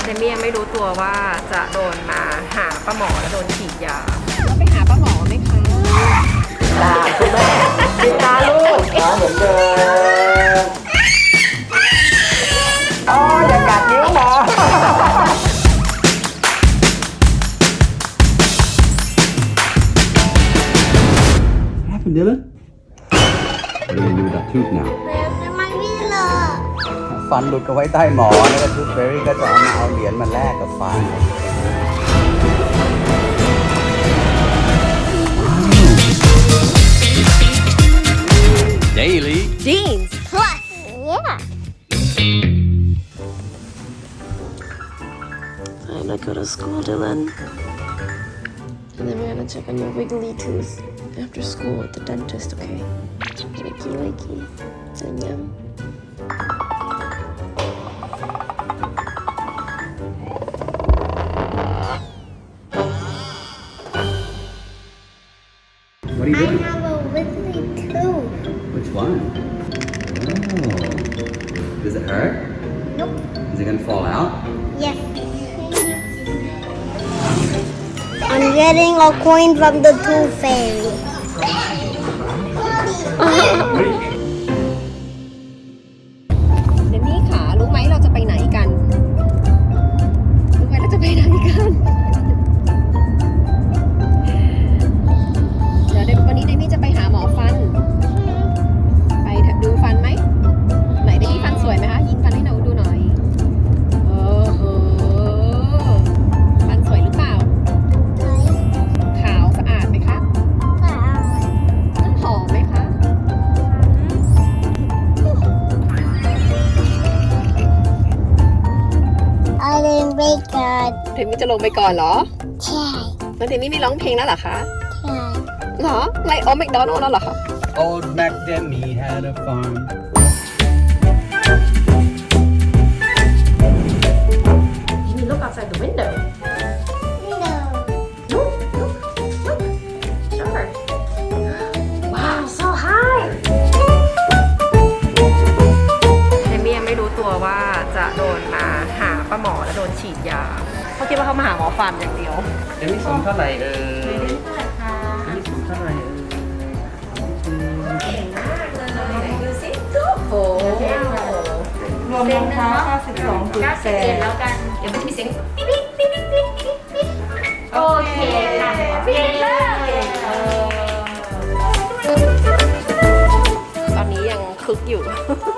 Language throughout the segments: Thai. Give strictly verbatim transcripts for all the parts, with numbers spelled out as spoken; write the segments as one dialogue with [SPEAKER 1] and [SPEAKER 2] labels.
[SPEAKER 1] เดมี่ยังไม่รู้ตัวว่าจะโดนมาหาป้าหมอแล้วโดนฉีดยา
[SPEAKER 2] เราไปหาป้าหมอไหมคะ
[SPEAKER 3] ตาคุณแม่ปิดตาลูกตาเหมือนเดิมอ๋ออย่ากัดนิ้วหมอ
[SPEAKER 4] What happened, Dylan? What are we gonna do with that tooth now?
[SPEAKER 5] มันไม่เลอะ
[SPEAKER 4] ฟันหลุดก็ไว้ใต้หมอแล้วก็ทูธเบอรี่ก็จะเอามาเอาเหรียญมาแลกกับฟัน Daily
[SPEAKER 2] jeans
[SPEAKER 5] plus yeah
[SPEAKER 2] I'm gonna go to school, Dylan. And then we're gonna check on your wiggly tooth after school at the dentist, okay? Likey, likey. And yum.
[SPEAKER 4] What are you
[SPEAKER 5] I
[SPEAKER 4] doing?
[SPEAKER 5] have a wiggly tooth.
[SPEAKER 4] Which one? Oh. Does it hurt?
[SPEAKER 5] Nope.
[SPEAKER 4] Is it gonna fall out?
[SPEAKER 5] Yes. I'm getting a coin from the tooth fairy.
[SPEAKER 2] เดมี่ขารู้ไหมเราจะไปไหนกัน รู้ไหมเราจะไปไหนกัน เดี๋ยวเดมวันนี้เดมี่จะไปหาหมอฟัน ไปดูฟันไหม ไหนเดมี่ฟันสวยไหมคะ ยิงฟันให้หนูดูหน่อยโอ้โหฟันสวยหรือเปล่า ขาวสะอาดไหมคะน้ำหอมไหมคะ
[SPEAKER 5] I didn't break it.
[SPEAKER 2] เดมี่จะลงไปก่อนเหรอ
[SPEAKER 5] ใช่
[SPEAKER 2] แล้วเดมี่ไม่ร้องเพลงแล้วเหรอคะ
[SPEAKER 5] ใช่
[SPEAKER 2] เหรอไลออแมคโดนัลด์แล้วเหรอคะ
[SPEAKER 4] Old Mac Demi had a farm.
[SPEAKER 1] Jimmy, look outside the window.
[SPEAKER 5] No.
[SPEAKER 1] Look, look, look. Sure. Wow, so high. เดมี่ยังไม่รู้ตัวว่าจะโดนมาหาป้าหมอแล้วโดนฉีดยาเขาคิดว่าเขามาหาหมอฟันอย่างเดียว
[SPEAKER 3] เดี๋ยวนี้สูงเท่าไหร่เอ่ย
[SPEAKER 1] เท่าไหร่คะ
[SPEAKER 3] เดี๋ยวนี้สูงเท่าไหร่เอ่ย
[SPEAKER 1] เก่งมากเลยไหนดูสิโอ้โห
[SPEAKER 3] รวมรองเท้าเก้าสิบสองจุด
[SPEAKER 1] เก้า
[SPEAKER 3] แป
[SPEAKER 1] สิบเอ็ด
[SPEAKER 3] ด
[SPEAKER 1] แล้วกัน เดี๋ยวมันจะมีเสียงปิ๊บปิ๊บปิ๊บปิ๊บปิ๊บปิ๊บโอเคค่ะเก่งมากเออ
[SPEAKER 2] ตอนนี้ยังคึกอยู่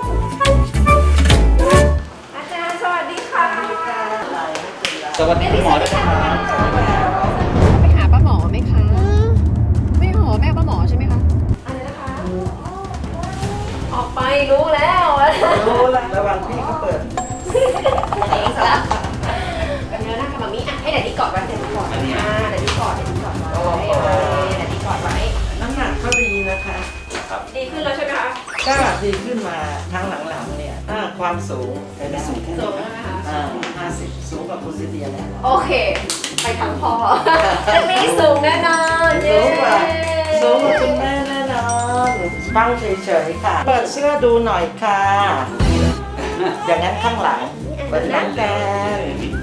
[SPEAKER 1] อาจารย์สวัสดีค่ะ
[SPEAKER 4] สวัสดีคุณหมอด้วยครับ
[SPEAKER 2] ไปหาป้าหมอไหมคะ ไม่หมอแม่ป้าหมอใช่ไหมคะ
[SPEAKER 1] อะไรนะคะออกไปรู้แล้ว
[SPEAKER 3] รู้แล้วระวังพี่เขาเปิด
[SPEAKER 1] เองซะแล้วเดี๋ยวนะคะมามีอ่ะให้แดดดี้กอดไว้แดดดี้กอดอ่าแดดดี้กอดแดดดี้กอดไว้แดดดี้กอดไว้
[SPEAKER 3] น้ำหนักก็ดีนะคะ
[SPEAKER 1] ดีขึ้นแล้วใช่ไหมคะ
[SPEAKER 3] ก็ดีขึ้นมาทางหลังๆเนี่ยอ่าความสูงแต่ไม่สูงแค่
[SPEAKER 1] สู
[SPEAKER 3] นี้
[SPEAKER 1] งแล้วนะคะ
[SPEAKER 3] อ่าห้าสิบสูงกว่าคุณซิเดียแล้ว
[SPEAKER 1] โอเค ไปทางพอจะมีสูงแน่นอนเย้
[SPEAKER 3] สูงกว่าสูงกว่าคุณแม่แน่นอนฟังเฉยๆค่ะ เปิดเสื้อดูหน่อยค่ะ อย่างนั้นข้างหลังเปิดหนังกัน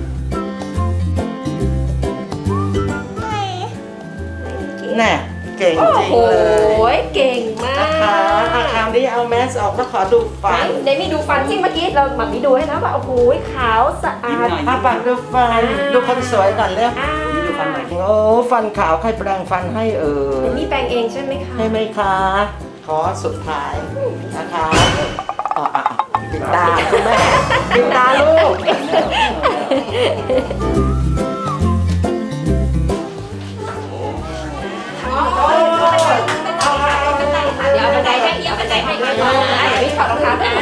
[SPEAKER 3] น่ะเก่ง
[SPEAKER 1] โอ้
[SPEAKER 3] จริง
[SPEAKER 1] โห
[SPEAKER 3] เลย
[SPEAKER 1] เก่งมา
[SPEAKER 3] นะคะอาคราวนี้เอาแมสออกแล้วขอดูฟัน
[SPEAKER 1] เดมี่ดูฟันที่เมื่อกี้เราหมักมีดูให้นะว่าโอ้โหขาวสะอาด
[SPEAKER 3] อาปากดูฟัน ดูคนสวยก่อนเร็ว
[SPEAKER 1] อ่า
[SPEAKER 3] โอ้ฟันขาวใครแปรงฟันให้เอ่
[SPEAKER 1] เด
[SPEAKER 3] ย
[SPEAKER 1] มี่แปรงเองใช่ไหมคะ
[SPEAKER 3] ให้ไหมคะ ขอสุดท้ายนะคะอ๋ออ่ะปิดตาคุณแม่ปิดตาลูก
[SPEAKER 1] เดี๋ยวบันไดให้เดี๋ยวบันไดให้เดี๋ยวพี่ถอดรองเท้าอ่า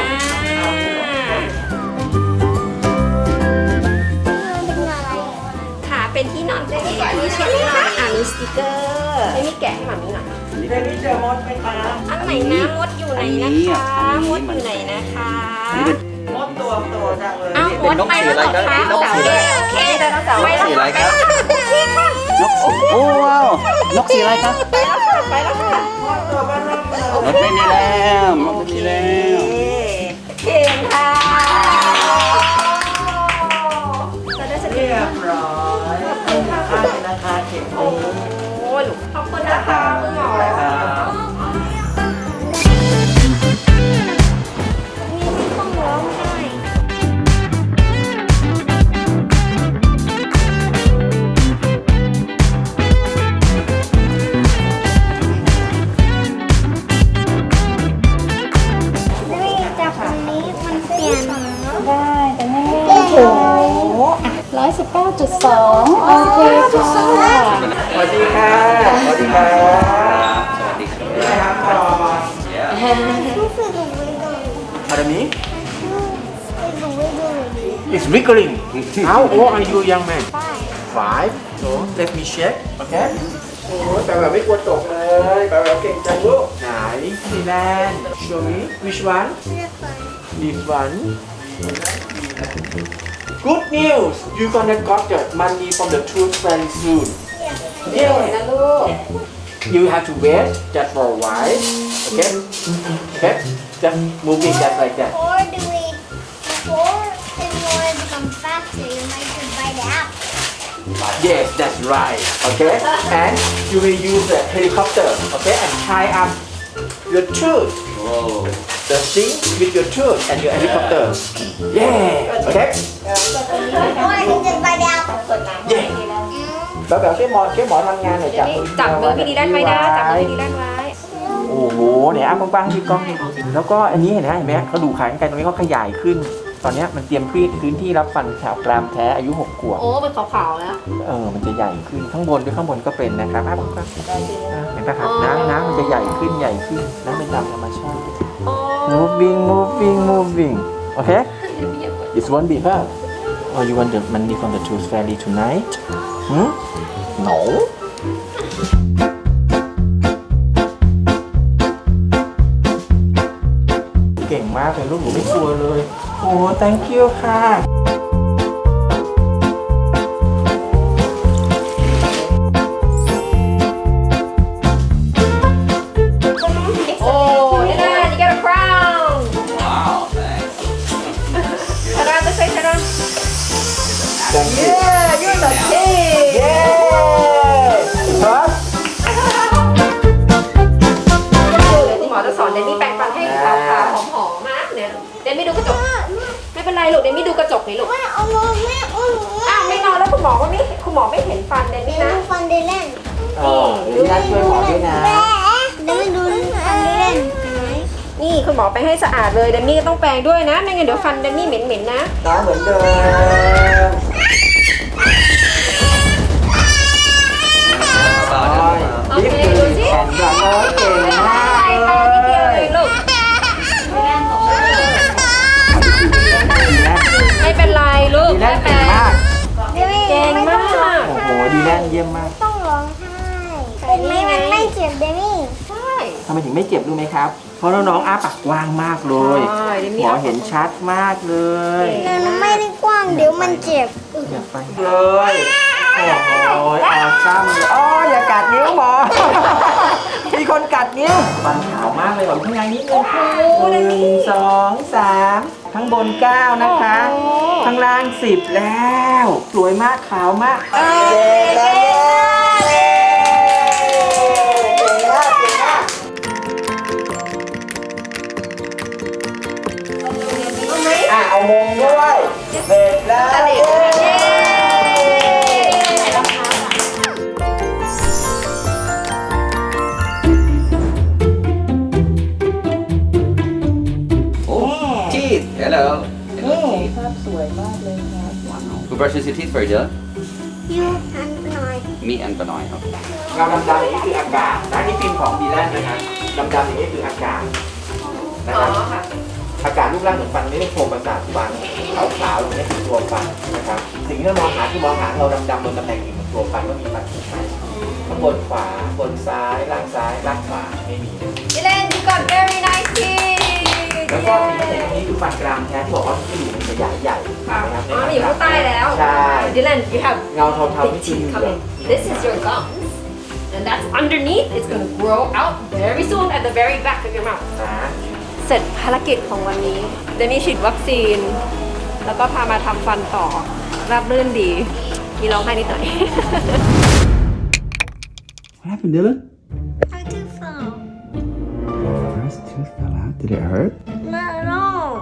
[SPEAKER 1] ขาเป็นที่นอนเจ๊นี่ใช่ไหมคะอ่ามีสติกเกอร์ให้มีแกะให้หมามีหน่อย
[SPEAKER 3] เดี๋ยวนี้เจอมดไหมคะ
[SPEAKER 1] อันไหนนะมดอยู่ไหนนะคะมดอยู่ไหนนะคะ
[SPEAKER 3] มดตัวโตจังเลย
[SPEAKER 1] อ้าวมดไปแล้วเหรอคะโอเคโอเคไดโนเสาร์ไปแล้ว
[SPEAKER 4] สีอะไรครับ
[SPEAKER 1] โอเคค่ะ
[SPEAKER 4] นกสีโอ้ว้าวนกสีอะไรครับ
[SPEAKER 1] ไปแล้วค่ะไปแล้วค่ะ
[SPEAKER 3] มดตัวบ้านเราเลย
[SPEAKER 4] รถไม่มีแล้วรถไม่มีแล้ว
[SPEAKER 1] เก่งค่ะแส
[SPEAKER 6] สิบเก้าจุดสองโอเคค่ะ
[SPEAKER 3] สวัสดีค่ะ สวัสดีครับสวัสดีครับก่อน
[SPEAKER 5] This is a wiggly.
[SPEAKER 3] Pardon me?
[SPEAKER 5] It's a wiggly.
[SPEAKER 3] It's wiggling. How old are you, young man?
[SPEAKER 5] Five.
[SPEAKER 3] Five. So let me check. Okay. โอ้ยแปลว่าไม่กลัวตกเลยแปลว่าเก่งจังลูกไหนดีแลนด์ Show me which one?
[SPEAKER 5] This one.
[SPEAKER 3] This one. Good news. You gonna got the money from the tooth fairy soon.
[SPEAKER 1] เดี๋ยวนะลูก
[SPEAKER 3] You have to wait just for a while. Okay. Okay. Just moving just like that.
[SPEAKER 5] Or do we, before if you want to become faster, you might just buy the app.
[SPEAKER 3] Yes, that's right. Okay. And you will use the helicopter. Okay. And tie up your tooth.
[SPEAKER 4] Whoa.
[SPEAKER 3] The thing with your tooth and your helicopter. Yeah. Okay.
[SPEAKER 5] Or I can just buy the app.
[SPEAKER 3] Yeah. แล้วแบบแค่หมอแค่หมอทำงานหน่อย
[SPEAKER 1] เดี๋ยวนี้จับมือพี่ดีด้านไว้นะจับมือพี่ดีด้านไว้
[SPEAKER 3] โอ้โหเนี่ยอ้ากว้างๆที่กล้องนี่แล้วก็อันนี้เห็นไหมเห็นไหมเขาดูขายกันตรงนี้เขาขยายขึ้น ตอนนี้มันเตรียมพื้นที่รับฟันแถวกรามแท้อายุหกขวบ
[SPEAKER 1] โอ้เป็นขาวๆแล้ว
[SPEAKER 3] เออมันจะใหญ่ขึ้นข้างบนด้วยข้างบนก็เป็นนะครับอ้ากว้างๆอ่ะเห็นปะครับน้ำน้ำมันจะใหญ่ขึ้นใหญ่ขึ้นน้ำเป็นตามธรรมชาติ moving moving moving okay it won't be hurt or you want the money from the tooth fairy tonight hmm no เก่งมากเลยลูกหนูไม่กลัวเลย โอ้ thank you ค่ะ
[SPEAKER 1] โอ้ยนะ you got a crown
[SPEAKER 4] Wow, thanks.
[SPEAKER 1] turn around this way turn around
[SPEAKER 3] thank you
[SPEAKER 1] yeah you're the king
[SPEAKER 3] เย้ครับ
[SPEAKER 1] เดี๋ยวที่หมอจะสอนเดนนี่แปรงฟันให้ขาวๆหอมๆนะเนี่ยเดนไม่ดูกระจกไม่เป็นไรลูกเดนไม่ดูกระจกนี่ลูก
[SPEAKER 5] ไม่เอามือไม่เอามือ
[SPEAKER 1] อ้าวไม่นอนแล้วคุณหมอว่าไม่คุณหมอไม่เห็นฟันเดน
[SPEAKER 5] เดี๋
[SPEAKER 1] นี่
[SPEAKER 5] ยว
[SPEAKER 1] นะ
[SPEAKER 5] ดูฟันเดเล่น
[SPEAKER 3] อ๋อเดี๋ยวนัดช่วยหมอด้วยนะ
[SPEAKER 5] เดี๋ยวไม่ดูฟันเดเล่นไหน
[SPEAKER 1] นี่คุณหมอไปให้สะอาดเลยเดนนี่ก็ต้องแปรงด้วยนะไม่งั้นเดี๋ยวฟันเดนนี่เหม็นๆนะ
[SPEAKER 3] น้องเหมือนเดิม
[SPEAKER 1] โอเคดูสิ
[SPEAKER 3] แขนก่อนเลยเก่งมาก
[SPEAKER 1] ใช่ค่ะนิดเดียวเลยลูกไม่เป็นไรลูก
[SPEAKER 3] ดีแล
[SPEAKER 1] ไม่
[SPEAKER 3] น
[SPEAKER 1] เป็
[SPEAKER 3] เก่
[SPEAKER 1] น
[SPEAKER 3] งมาก
[SPEAKER 1] เก่งมาก
[SPEAKER 3] โอ้โหดีแลนเยี่ยมมาก
[SPEAKER 5] ต้องร้องไห้เป็นไหมมันไม่เจ็บเดมี่
[SPEAKER 1] ใช่
[SPEAKER 3] ทำไมถึงไม่เจ็บรู้ไหมครับ เพราะน้องๆอ้าปากกว้างมากเลย
[SPEAKER 1] ใช่เดี๋ยว
[SPEAKER 3] ห
[SPEAKER 1] มี
[SPEAKER 3] มอเห็นชัดมากเลย
[SPEAKER 5] แต่มันไม่ได้กว้างเดี๋ยวมันเจ็บ
[SPEAKER 3] อย่าไปเลยโอ้โหออซ้ำเลยอ๋ออย่ากัดนิ้วหมอ มีคนกัดนิ้วฟันขาวมากเลยหมอข้างในนิดนึงหนึ่งสองสามข้างบนเก้านะคะ ข้างล่างสิบแล้ว สวยมากขาวมากเย้เย้เย้เก่งมากเก่งมาก
[SPEAKER 1] เอาไหม
[SPEAKER 3] อ่ะเอามงด้วยเสร็จแล้ว
[SPEAKER 1] เย้เย้รองเท้า
[SPEAKER 4] Oh, teeth. Hello.
[SPEAKER 3] ภาพสวยมากเลยครับ
[SPEAKER 4] Who brushes your teeth for you, Dylan?
[SPEAKER 5] ยูอันหน่อย
[SPEAKER 4] Me and Benoit. Okay.
[SPEAKER 3] เงาดำๆนี่คืออากาศนะนี่ฟิล์มของดีแลนด์นะครับดำๆอย่างนี้คืออากาศนะ
[SPEAKER 1] อ๋
[SPEAKER 3] ค
[SPEAKER 1] อ
[SPEAKER 3] รับ
[SPEAKER 1] ค่ะ
[SPEAKER 3] อากาศรูปร่างเหมือนฟันไม่ได้โครงประสาทฟันขาวๆตรงนี้คือตัวฟันนะครับสิ่งที่เรามองหาคือมองหาเราดำๆบนตำแหน่งอื่นของตัวฟันว่ามีฟันถูกไหมข้างบนขวาบนซ้ายล่างซ้ายล่างขวาไม่มี
[SPEAKER 1] Dylan you got very nice teeth
[SPEAKER 3] แล้วก็สิ่งที่เห็นตรงนี้คือฟันกรามแท้ที่บอกว่าที่อยู่มันจะใหญ่ใหญ่ๆนะครับ
[SPEAKER 1] อ๋อมันอยู่ข้างใต้แล้ว
[SPEAKER 3] ใช่
[SPEAKER 1] Dylan you have
[SPEAKER 3] เงาเทาๆ
[SPEAKER 1] big
[SPEAKER 3] นี่คือ
[SPEAKER 1] teeth coming this is your gums and that's underneath it's going to grow out very soon at the very back of your mouth
[SPEAKER 3] นะ
[SPEAKER 1] เสร็จภารกิจของวันนี้เดนี่ฉีดวัคซีน แล้วก็พามาทำฟันต่อราบรื่นดี มีร้องไห้นิดหน่อย
[SPEAKER 4] What happened, Dylan?
[SPEAKER 5] I do fall.
[SPEAKER 4] First tooth fell out. Did it hurt?
[SPEAKER 5] No, no.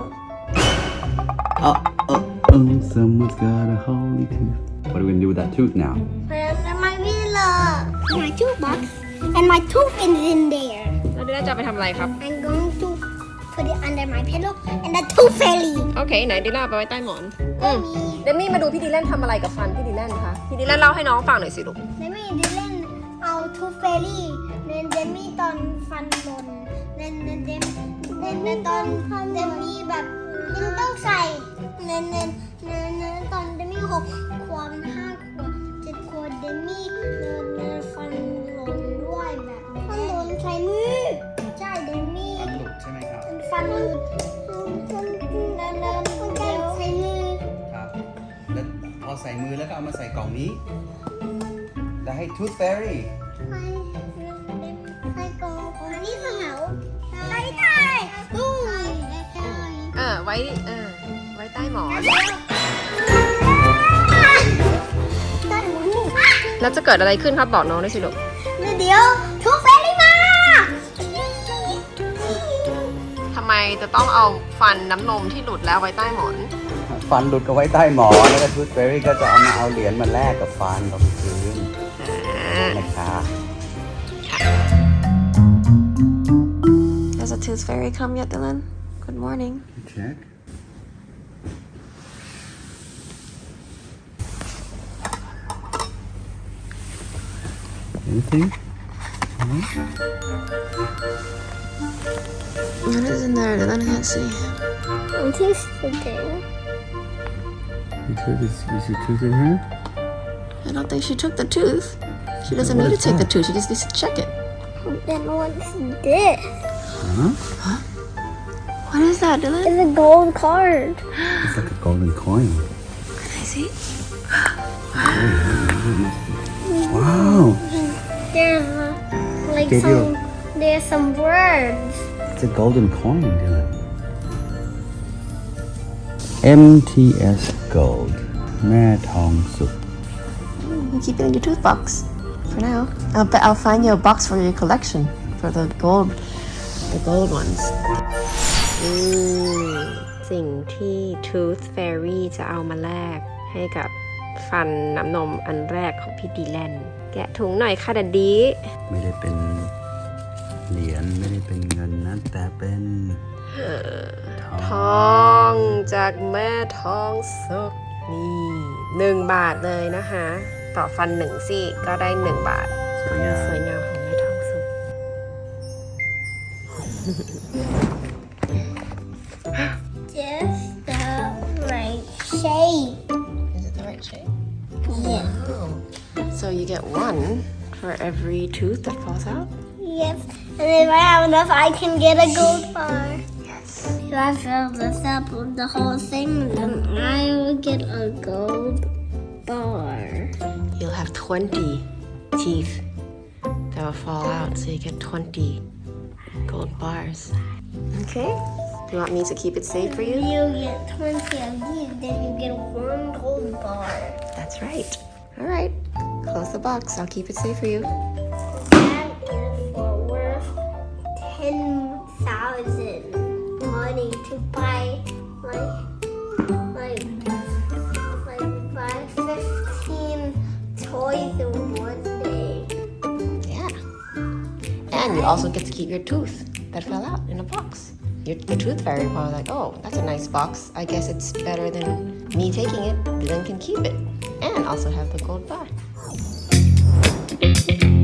[SPEAKER 4] Oh, oh, oh. Someone's got a holy tooth. What are we gonna do with that tooth now?
[SPEAKER 5] And my villa. My toothbox. And my tooth is in there.
[SPEAKER 1] แล้วเดนี่จะไปทำอะไรครับ
[SPEAKER 5] I'm going to put it under my pillow and the tooth fairy
[SPEAKER 1] โอเคไหนดิล่าไปไว้ใต้หมอนอืมเดมี่มาดูพี่ดีแลนทำอะไรกับฟันพี่ดีแลนคะพี่ดีแลนเล่าให้น้องฟังหน่อยสิลูก
[SPEAKER 5] เดมี่ดิเล่นเอาทูเฟรี่เนนเดมี่ตอนฟันหล่นเนนเนนเดมเนนเนนตอนเดมี่แบบยังต้องใส่เนนเนนเนนเนนตอนเดมี่หกขวบห้าขวบเจ็ดขวบเดมี่เนนเนนฟันหล่นด้วยแบบฟันหล่นใส่มือใช่เดมี่
[SPEAKER 3] ฟันหลุดใช่ไหมครับ
[SPEAKER 5] ฟันหลุดเนนเนนเนนใส่มือ
[SPEAKER 4] ครับแล้วเอาใส่มือแล้วก็เอามาใส่กล่องนี้แล้วให้ Tooth Fairy
[SPEAKER 5] ไปไปกองอันนี้สเหาไปได้ตู้
[SPEAKER 1] เออไว้เออไว้ใต้หมอน
[SPEAKER 5] ตันหมุน
[SPEAKER 1] แล้วจะเกิดอะไรขึ้นครับบอกน้องด้วยสิลูก
[SPEAKER 5] เดี๋ยวทุกเฟรมา
[SPEAKER 1] ทำไมจะต้องเอาฟันน้ำนมที่หลุดแล้วไว้ใต้หมอน
[SPEAKER 4] ฟันหลุดก็ไว้ใต้หมอนแล้วก็ Tooth Fairy ก็จะเอามาเอาเหรียญมาแลกกับฟันตรงพื้นนะคะ
[SPEAKER 2] Has a tooth fairy come yet, Dylan? Good morning.
[SPEAKER 4] Check. Anything?
[SPEAKER 2] What is in there, Dylan? I can't see.
[SPEAKER 5] I'm tasting.
[SPEAKER 4] Your tooth is, is your tooth in here?
[SPEAKER 2] I don't think she took the tooth. She doesn't need to take the tooth. She just needs to check it.
[SPEAKER 5] Then what's this?
[SPEAKER 4] Huh?
[SPEAKER 2] What is that, Dylan?
[SPEAKER 5] It's a gold card.
[SPEAKER 4] It's like a golden coin.
[SPEAKER 2] Can I see?
[SPEAKER 4] Wow!
[SPEAKER 5] There's uh, like
[SPEAKER 4] Did
[SPEAKER 5] some.
[SPEAKER 4] you-
[SPEAKER 5] There's some words.
[SPEAKER 4] It's a golden coin, Dylan. M T S Gold แม่ทองสุก
[SPEAKER 2] You keep it in your tooth box for now. I'll bet I'll find you a box for your collection for the gold, the gold ones.
[SPEAKER 1] อืมสิ่งที่ Tooth Fairy จะเอามาแลกให้กับฟันน้ำนมอันแรกของพี่ดีแลนแกะถุงหน่อยค่ะดัดดี
[SPEAKER 4] ไม่ได้เป็นเหรียญไม่ได้เป็นเงินนะแต่เป็นท
[SPEAKER 1] ท
[SPEAKER 4] อง
[SPEAKER 1] องจากแม่ทองสุกนี่หนึ่งบาทเลยนะคะ ต่อฟันหนึ่งซี่ก็ได้หนึ่งบาท
[SPEAKER 4] สวยงาม
[SPEAKER 1] สวยงามของแม่ทองสุก
[SPEAKER 5] Just the right shape.
[SPEAKER 2] Is it the right shape?
[SPEAKER 5] Yeah.
[SPEAKER 2] So you get one for every tooth that falls out?
[SPEAKER 5] Yes. And if I have enough, I can get a gold bar.
[SPEAKER 2] Yes.
[SPEAKER 5] If I fill this up with the whole thing, then I will get a gold bar.
[SPEAKER 2] You'll have twenty teeth that will fall out, so you get twenty gold bars. Okay? Do you want me to keep it safe for you?
[SPEAKER 5] You get twenty of these, then you get one gold bar.
[SPEAKER 2] That's right. All right. Close the box. I'll keep it safe for you.
[SPEAKER 5] That is for worth ten thousand money to buy like like like buy fifteen toys in one day.
[SPEAKER 2] Yeah. And you also get to keep your tooth that fell out in a box. Your, the tooth fairy probably like, oh, that's a nice box. I guess it's better than me taking it. Dylan can keep it and also have the gold bar.